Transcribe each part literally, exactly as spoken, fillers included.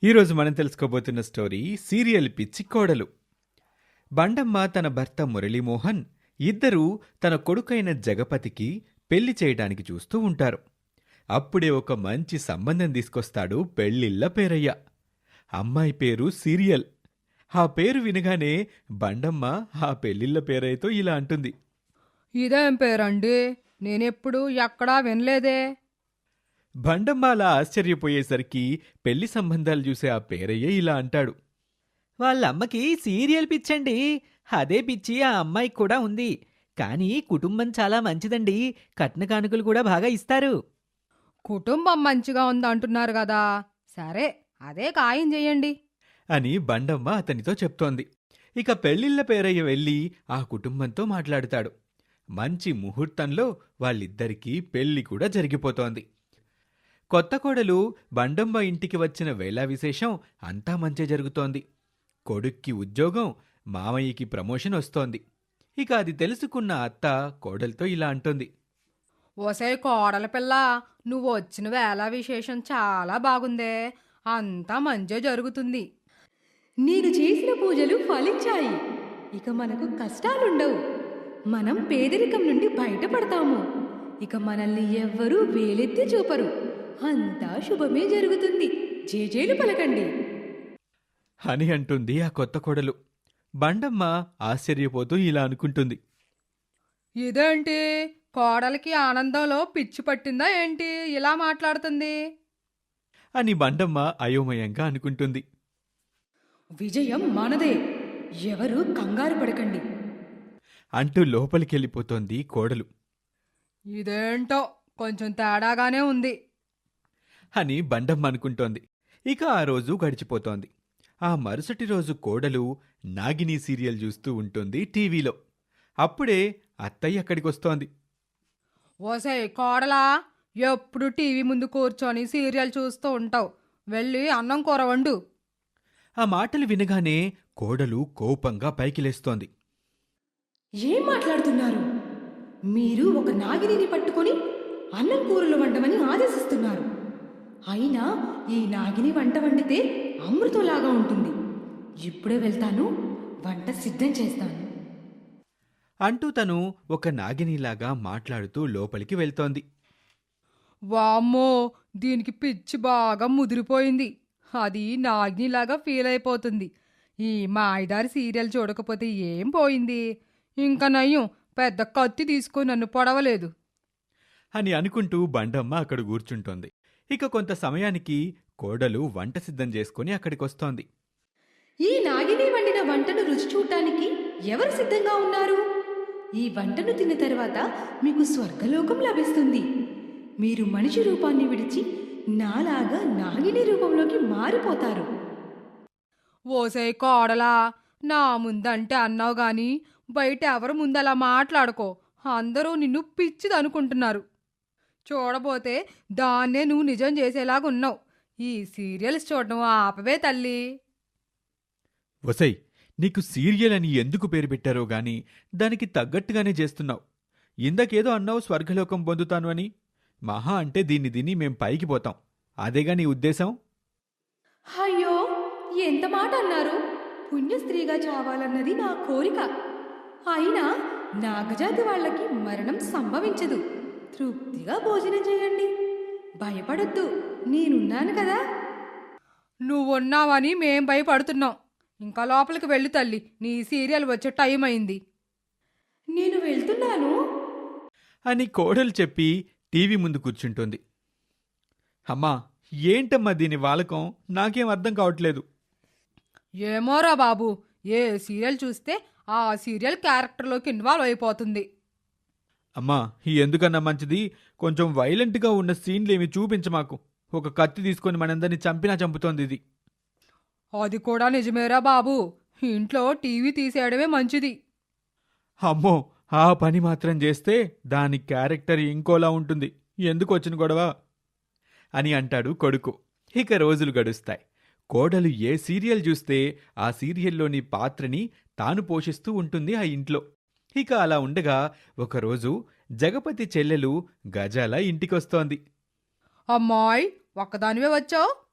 ఈరోజు మనం తెలుసుకోబోతున్న story serial పిచ్చి కోడలు. బండమ్మ తన భర్త మురళీమోహన్ ఇద్దరూ తన కొడుకైన జగపతికి పెళ్లి చేయడానికి చూస్తూ ఉంటారు. అప్పుడే ఒక మంచి సంబంధం తీసుకొస్తాడు పెళ్ళిళ్ళ పేరయ్య. అమ్మాయి పేరు సీరియల్. ఆ పేరు వినగానే బండమ్మ ఆ పెళ్ళిళ్ళ పేరయ్యతో ఇలా అంటుంది. ఇదేం పేరండి? నేనెప్పుడు ఎక్కడా వినలేదే. బండమ్మ అలా ఆశ్చర్యపోయేసరికి పెళ్లి సంబంధాలు చూసే ఆ పేరయ్య ఇలా అంటాడు. వాళ్ళమ్మకి సీరియల్ పిచ్చండి. అదే పిచ్చి ఆ అమ్మాయికి కూడా ఉంది. కానీ కుటుంబం చాలా మంచిదండి. కట్న కానుకలు కూడా బాగా ఇస్తారు. కుటుంబం మంచిగా ఉందంటున్నారు కదా, సరే అదే ఖాయం చెయ్యండి అని బండమ్మ అతనితో చెప్తోంది. ఇక పెళ్లిళ్ల పేరయ్య వెళ్ళి ఆ కుటుంబంతో మాట్లాడుతాడు. మంచి ముహూర్తంలో వాళ్ళిద్దరికీ పెళ్లి కూడా జరిగిపోతోంది. కొత్త కోడలు బండమ్మ ఇంటికి వచ్చిన వేళా విశేషం అంతా మంచి జరుగుతోంది. కొడుక్కి ఉద్యోగం, మామయ్యకి ప్రమోషన్ వస్తోంది. ఇక అది తెలుసుకున్న అత్త కోడలతో ఇలా అంటుంది. ఓసే కోడల పిల్ల, నువ్వు వచ్చిన వేళ విశేషం చాలా బాగుందే. అంతా మంచి జరుగుతుంది. నేను చేసిన పూజలు ఫలించాయి. ఇక మనకు కష్టాలుండవు. మనం పేదరికం నుండి బయటపడతాము. ఇక మనల్ని ఎవ్వరూ వేలెత్తి చూపరు. అంతా శుభమే జరుగుతుంది. జేజేలు పలకండి అని అంటుంది ఆ కొత్త కోడలు. బండమ్మ ఆశ్చర్యపోతూ ఇలా అనుకుంటుంది. ఇదేంటి, కోడలికి ఆనందంలో పిచ్చి పట్టిందా ఏంటి ఇలా మాట్లాడుతుంది? అని బండమ్మ అయోమయంగా అనుకుంటుంది. విజయం మనదే. ఎవరూ కంగారు పడకండి అంటూ లోపలికెళ్ళిపోతోంది కోడలు. ఇదేంటో కొంచెం తేడాగానే ఉంది అని బండమ్మ అనుకుంటోంది. ఇక ఆ రోజు గడిచిపోతోంది. ఆ మరుసటి రోజు కోడలు నాగిని సీరియల్ చూస్తూ ఉంటుంది టీవీలో. అప్పుడే అత్తయ్య అక్కడికొస్తోంది. ఓసే కోడలా, ఎప్పుడు టీవీ ముందు కూర్చొని సీరియల్ చూస్తూ ఉంటావు. వెళ్ళి అన్నం కూర వండు. ఆ మాటలు వినగానే కోడలు కోపంగా పైకి లేస్తోంది. ఏం మాట్లాడుతున్నారు? మీరు ఒక నాగిని పట్టుకొని అన్నం కూరలు వండమని ఆదేశిస్తున్నారు. అయినా ఈ నాగిని వంట వండితే అమృతంలాగా ఉంటుంది. ఇప్పుడే వెళ్తాను, వంట సిద్ధం చేస్తాను అంటూ తను ఒక నాగినిలాగా మాట్లాడుతూ లోపలికి వెళ్తోంది. వామ్మో, దీనికి పిచ్చి బాగా ముదిరిపోయింది. అది నాగ్నిలాగా ఫీల్ అయిపోతుంది. ఈ మాయదారి సీరియల్ చూడకపోతే ఏం పోయింది? ఇంకా నయ్యం పెద్ద కత్తి తీసుకొని నన్ను పొడవలేదు అని అనుకుంటూ బండమ్మ అక్కడ కూర్చుంటోంది. ఇక కొంత సమయానికి కోడలు వంట సిద్ధం చేసుకుని అక్కడికొస్తోంది. ఈ నాగిని వండిన వంటను రుచి చూడటానికి ఎవరు సిద్ధంగా ఉన్నారు? ఈ వంటను తిన్న తర్వాత మీకు స్వర్గలోకం లభిస్తుంది. మీరు మనిషి రూపాన్ని విడిచి నాలాగా నాగిని రూపంలోకి మారిపోతారు. ఓసే కోడలా, నా ముందంటే అన్నావు గాని బయట ఎవరు ముందలా మాట్లాడుకో. అందరూ నిన్ను పిచ్చిదనుకుంటున్నారు. చూడబోతే దాన్నే నువ్వు నిజం చేసేలాగున్నావు. ఈ సీరియల్స్ చూడడం ఆపవే తల్లి. వసై, నీకు సీరియల్ అని ఎందుకు పేరు పెట్టారో గాని దానికి తగ్గట్టుగానే చేస్తున్నావు. ఇందకేదో అన్నావు స్వర్గలోకం పొందుతాను అని. మహా అంటే దీన్ని దీన్ని మేం పైకి పోతాం. అదేగా నీ ఉద్దేశం? అయ్యో, ఎంత మాట అన్నారు! పుణ్యస్త్రీగా చావాలన్నది నా కోరిక. అయినా నాగజాతి వాళ్ళకి మరణం సంభవించదు. తృప్తిగా భోజనం చేయండి. భయపడొద్దు, నేనున్నాను కదా. నువ్వున్నావని మేం భయపడుతున్నాం. ఇంకా లోపలికి వెళ్ళు తల్లి, నీ సీరియల్ వచ్చే టైం అయింది. నేను వెళ్తున్నాను అని కోడలు చెప్పి టీవీ ముందు కూర్చుంటోంది. అమ్మా, ఏంటమ్మా దీని వాలకం? నాకేం అర్థం కావట్లేదు. ఏమోరా బాబు, ఏ సీరియల్ చూస్తే ఆ సీరియల్ క్యారెక్టర్లోకి ఇన్వాల్వ్ అయిపోతుంది. అమ్మా, ఎందుకన్నా మంచిది కొంచెం వైలెంట్గా ఉన్న సీన్లేమి చూపించమాకు. ఒక కత్తి తీసుకొని మనందరినీ చంపినా చంపుతోంది ఇది. అది కూడా నిజమేరా బాబు. ఇంట్లో టీవీ తీసేయడమే మంచిది. అమ్మో, ఆ పని మాత్రం చేస్తే దాని క్యారెక్టర్ ఇంకోలా ఉంటుంది. ఎందుకు వచ్చిన గొడవ అని అంటాడు కొడుకు. ఇక రోజులు గడుస్తాయి. కోడలు ఏ సీరియల్ చూస్తే ఆ సీరియల్లోని పాత్రని తాను పోషిస్తూ ఉంటుంది ఆ ఇంట్లో. ఇక అలా ఉండగా ఒకరోజు జగపతి చెల్లెలు గజాల ఇంటికొస్తోంది. అమ్మాయ్, ఒక్కదానివే వచ్చావు?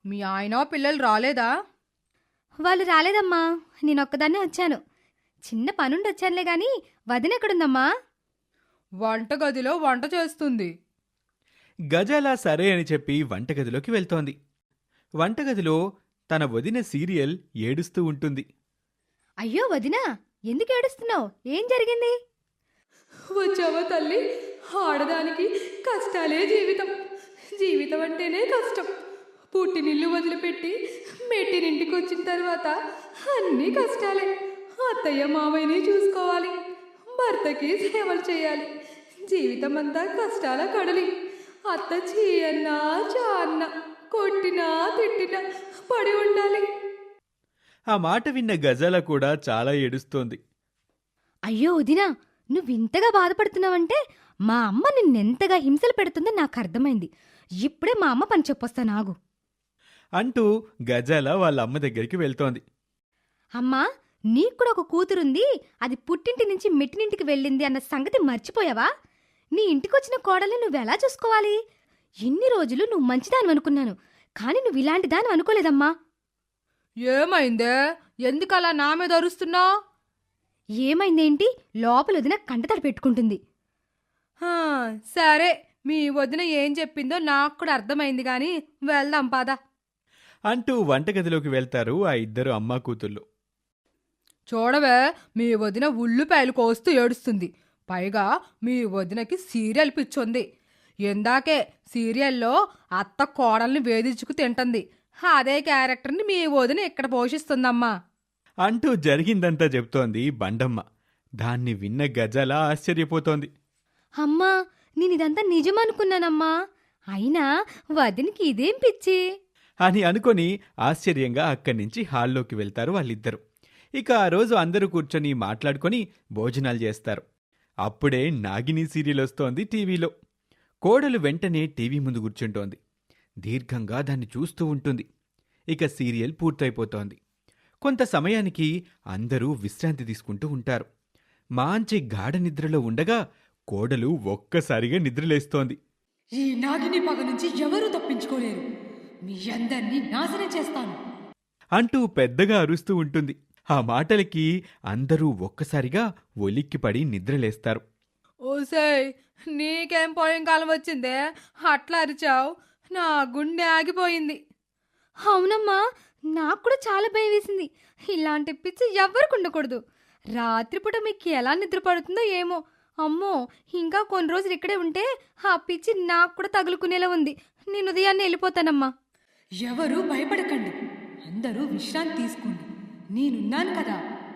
మీ ఆయన పిల్లలు రాలేదా? వాళ్ళు రాలేదమ్మా, నేనొక్కదాన్నే వచ్చాను. చిన్న పనుండి వచ్చానులే గాని వదిన ఎక్కడుందమ్మా? వంటగదిలో వంట చేస్తుంది. గజాల సరే అని చెప్పి వంటగదిలోకి వెళ్తోంది. వంటగదిలో తన వదిన సీరియల్ ఏడుస్తూ ఉంటుంది. అయ్యో వదినా, ఎందుకు ఏడుస్తున్నావు? ఏం జరిగింది? వచ్చావా తల్లి? ఆడదానికి కష్టాలే జీవితం. జీవితం అంటేనే కష్టం. పుట్టినిల్లు వదిలిపెట్టి మెట్టినింటికి వచ్చిన తర్వాత అన్నీ కష్టాలే. అత్తయ్య మామయ్యని చూసుకోవాలి, భర్తకి సేవలు చేయాలి. జీవితం అంతా కష్టాల కడలి. అత్త చీయన్నా చాన్న కొట్టినా తిట్టినా పడి ఉండాలి. ఆ మాట విన్న గజాల కూడా చాలా ఏడుస్తోంది. అయ్యో వదినా, నువ్వింతగా బాధపడుతున్నావంటే మా అమ్మ నిన్నెంతగా హింసలు పెడుతుందో నాకు అర్థమైంది. ఇప్పుడే మా అమ్మ పని చెప్పొస్తా నాగు. అంటూ గజాల వాళ్ళ అమ్మ దగ్గరికి వెళ్తోంది. అమ్మా, నీకు కూడా ఒక కూతురుంది, అది పుట్టింటి నుంచి మెట్టినింటికి వెళ్ళింది అన్న సంగతి మర్చిపోయావా? నీ ఇంటికొచ్చిన కోడల్ని నువ్వెలా చూసుకోవాలి? ఇన్ని రోజులు నువ్వు మంచిదాని అనుకున్నాను, కానీ నువ్వు ఇలాంటి దాని అనుకోలేదమ్మా. ఏమైందే? ఎందుకలా నా మీద అరుస్తున్నావు? ఏమైందేంటి? లోపల వదిన కంటతడి పెట్టుకుంటుంది. సరే, మీ వదిన ఏం చెప్పిందో నాకు కూడా అర్థమైంది గాని వెళ్దాం పద. అంటూ వంటగదిలోకి వెళ్తారు ఆ ఇద్దరు అమ్మా కూతుళ్ళు. చూడవే, మీ వదిన ఉల్లిపాయలు కోస్తూ ఏడుస్తుంది. పైగా మీ వదినకి సీరియల్ పిచ్చుంది. ఇందాకే సీరియల్లో అత్త కోడల్ని వేధించుకు తింటుంది. అదే క్యారెక్టర్ని మీ వదిన ఇక్కడ పోషిస్తుందమ్మా. అంటూ జరిగిందంతా చెప్తోంది బండమ్మ. దాన్ని విన్న గజాల ఆశ్చర్యపోతోంది. అమ్మా, నేనిదంతా నిజమనుకున్నానమ్మా. అయినా వదినికి ఇదేం పిచ్చి అని అనుకొని ఆశ్చర్యంగా అక్కడి నుంచి హాల్లోకి వెళ్తారు వాళ్ళిద్దరూ. ఇక ఆ రోజు అందరూ కూర్చొని మాట్లాడుకొని భోజనాలు చేస్తారు. అప్పుడే నాగిని సీరియల్ వస్తోంది టీవీలో. కోడలు వెంటనే టీవీ ముందు కూర్చుంటోంది. దీర్ఘంగా దాన్ని చూస్తూ ఉంటుంది. ఇక సీరియల్ పూర్తయిపోతోంది. కొంత సమయానికి అందరూ విశ్రాంతి తీసుకుంటూ ఉంటారు. మాంచి గాఢ నిద్రలో ఉండగా కోడలు ఒక్కసారిగా నిద్రలేస్తోంది. ఈ నాగిని పగ నుంచి ఎవరూ తప్పించుకోలేరు. మీ అందరినీ నాశనం చేస్తాను అంటూ పెద్దగా అరుస్తూ ఉంటుంది. ఆ మాటలకి అందరూ ఒక్కసారిగా ఒలిక్కిపడి నిద్రలేస్తారు. ఓసేయ్, నీకేం పోయిన కాలం వచ్చిందే? అట్లా అరిచావు, నా గుండె ఆగిపోయింది. అవునమ్మా, నాకు కూడా చాలా భయం వేసింది. ఇలాంటి పిచ్చి ఎవ్వరికి ఉండకూడదు. రాత్రిపూట మీకు ఎలా నిద్ర పడుతుందో ఏమో. అమ్మో, ఇంకా కొన్ని రోజులు ఇక్కడే ఉంటే ఆ పిచ్చి నాకు కూడా తగులుకునేలా ఉంది. నేను ఉదయాన్నే వెళ్ళిపోతానమ్మా. ఎవరూ భయపడకండి, అందరూ విశ్రాంతి తీసుకోండి, నేనున్నాను కదా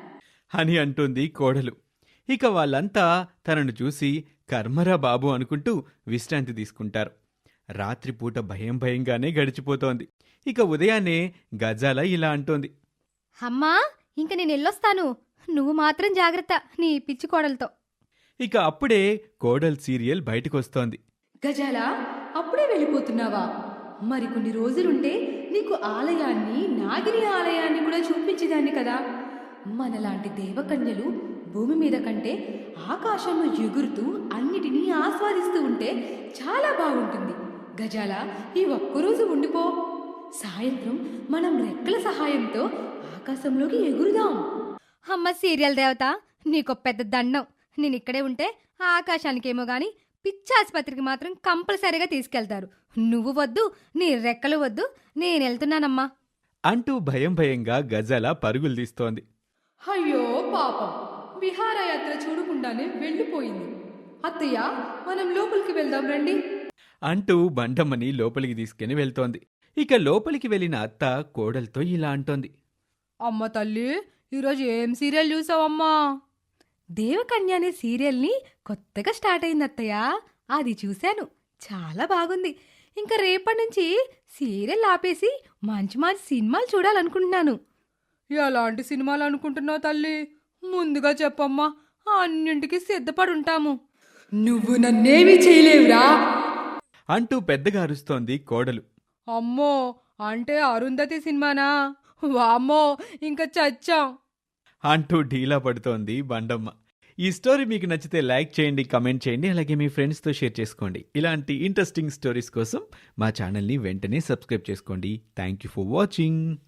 అని అంటుంది కోడలు. ఇక వాళ్ళంతా తనను చూసి కర్మరా బాబు అనుకుంటూ విశ్రాంతి తీసుకుంటారు. రాత్రిపూట భయం భయంగానే గడిచిపోతోంది. ఇక ఉదయాన్నే గజాల ఇలా అంటోంది. అమ్మా, ఇంక నేను వెళ్ళొస్తాను. నువ్వు మాత్రం జాగ్రత్త నీ పిచ్చి కోడలతో. ఇక అప్పుడే కోడల్ సీరియల్ బయటకొస్తోంది. గజాల, అప్పుడే వెళ్ళిపోతున్నావా? మరికొన్ని రోజులుంటే నీకు ఆలయాన్ని, నాగిని ఆలయాన్ని కూడా చూపించేదాన్ని కదా. మనలాంటి దేవకన్యలు భూమి మీద కంటే ఆకాశంలో ఎగురుతూ అన్నిటినీ ఆస్వాదిస్తూ ఉంటే చాలా బాగుంటుంది. గజాల, ఈ ఒక్కరోజు ఉండిపో. సాయంత్రం మనం రెక్కల సహాయంతో ఆకాశంలోకి ఎగురుదాం. అమ్మ సీరియల్ దేవత, నీకో పెద్ద దండం. నేను ఇక్కడే ఉంటే ఆకాశానికేమో గాని పిచ్చాసుపత్రికి మాత్రం కంపల్సరీగా తీసుకెళ్తారు. నువ్వు వద్దు, నీ రెక్కలు వద్దు, నేను వెళ్తున్నానమ్మా అంటూ భయం భయంగా గజాల పరుగులు తీస్తోంది. అయ్యో పాపం, విహారయాత్ర చూడకుండానే వెళ్ళిపోయింది. అత్తయ్య, మనం లోపలికి వెళ్దాం రండి అంటూ బండమ్మని లోపలికి తీసుకుని వెళ్తోంది. ఇక లోపలికి వెళ్ళిన అత్త కోడలతో ఇలా అంటోంది. అమ్మ తల్లి, ఈరోజు ఏం సీరియల్ చూసావమ్మా? దేవకన్య అనే సీరియల్ని కొత్తగా స్టార్ట్ అయింది అత్తయ్య. అది చూశాను, చాలా బాగుంది. ఇంకా రేపటి నుంచి సీరియల్ ఆపేసి మంచి మంచి సినిమాలు చూడాలనుకుంటున్నాను. ఎలాంటి సినిమాలు అనుకుంటున్నావు తల్లి? ముందుగా చెప్పమ్మా, అన్నింటికి సిద్ధపడి ఉంటాము. నువ్వు నన్నేమీ చేయలేవురా అంటూ పెద్దగా అరుస్తోంది కోడలు. అమ్మో, అంటే అరుంధతి సినిమానా? వామ్మో, ఇంకా చచ్చాం అంటూ ఢీలా పడుతోంది బండమ్మ. ఈ స్టోరీ మీకు నచ్చితే లైక్ చేయండి, కమెంట్ చేయండి, అలాగే మీ ఫ్రెండ్స్తో షేర్ చేసుకోండి. ఇలాంటి ఇంట్రెస్టింగ్ స్టోరీస్ కోసం మా ఛానల్ని వెంటనే సబ్స్క్రైబ్ చేసుకోండి. Thank you for watching.